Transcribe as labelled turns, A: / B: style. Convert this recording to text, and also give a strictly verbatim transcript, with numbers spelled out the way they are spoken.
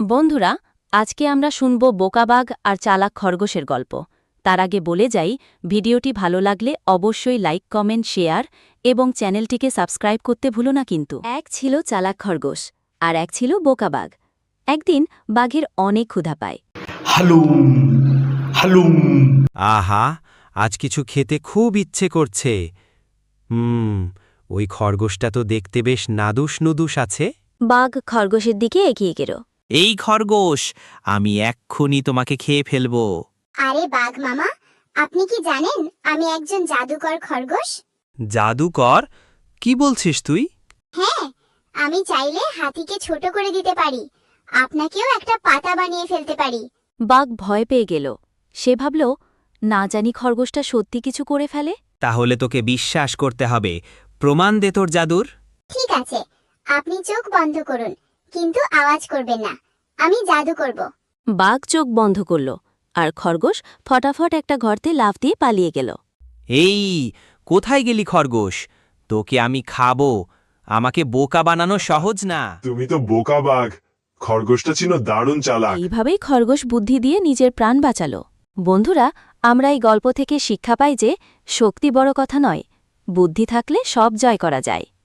A: বন্ধুরা, আজকে আমরা শুনব বোকাবাঘ আর চালাক খরগোশের গল্প। তার আগে বলে যাই, ভিডিওটি ভালো লাগলে অবশ্যই লাইক, কমেন্ট, শেয়ার এবং চ্যানেলটিকে সাবস্ক্রাইব করতে ভুলো না কিন্তু। এক ছিল চালাক খরগোশ আর এক ছিল বোকাবাঘ। একদিন বাঘের অনেক ক্ষুধা পায়।
B: হালুম হালুম
C: আহা, আজ কিছু খেতে খুব ইচ্ছে করছে। হুম ওই খরগোশটা তো দেখতে বেশ নাদুস নুদুস আছে।
A: বাঘ খরগোশের দিকে এগিয়ে গেল।
D: এই খরগোশ, আমি এক্ষুনি তোমাকে খেয়ে ফেলবো।
E: আরে বাঘ মামা, আপনি কি জানেন আমি একজন জাদুকর খরগোশ?
C: জাদুকর? কি বলছিস তুই?
E: হ্যাঁ, আমি চাইলে হাতিকে ছোট করে দিতে পারি, আপনাকেও একটা পাতা বানিয়ে ফেলতে পারি।
A: বাঘ ভয় পেয়ে গেল। সে ভাবল, না জানি খরগোশটা সত্যি কিছু করে ফেলে।
D: তাহলে তোকে বিশ্বাস করতে হবে। প্রমাণ দে তোর জাদুর।
E: ঠিক আছে, আপনি চোখ বন্ধ করুন, কিন্তু আওয়াজ করবেন না। আমি জাদু করব।
A: বাঘ চোখ বন্ধ করল আর খরগোশ ফটাফট একটা গর্তে লাফ দিয়ে পালিয়ে গেল।
D: এই, কোথায় গেলি খরগোশ? তোকে আমি খাবো। আমাকে বোকা বানানো সহজ না।
B: তুমি তো বোকা বাঘ। খরগোশটা ছিল দারুণ চালাক।
A: এইভাবেই খরগোশ বুদ্ধি দিয়ে নিজের প্রাণ বাঁচাল। বন্ধুরা, আমরা এই গল্প থেকে শিক্ষা পাই যে শক্তি বড় কথা নয়, বুদ্ধি থাকলে সব জয় করা যায়।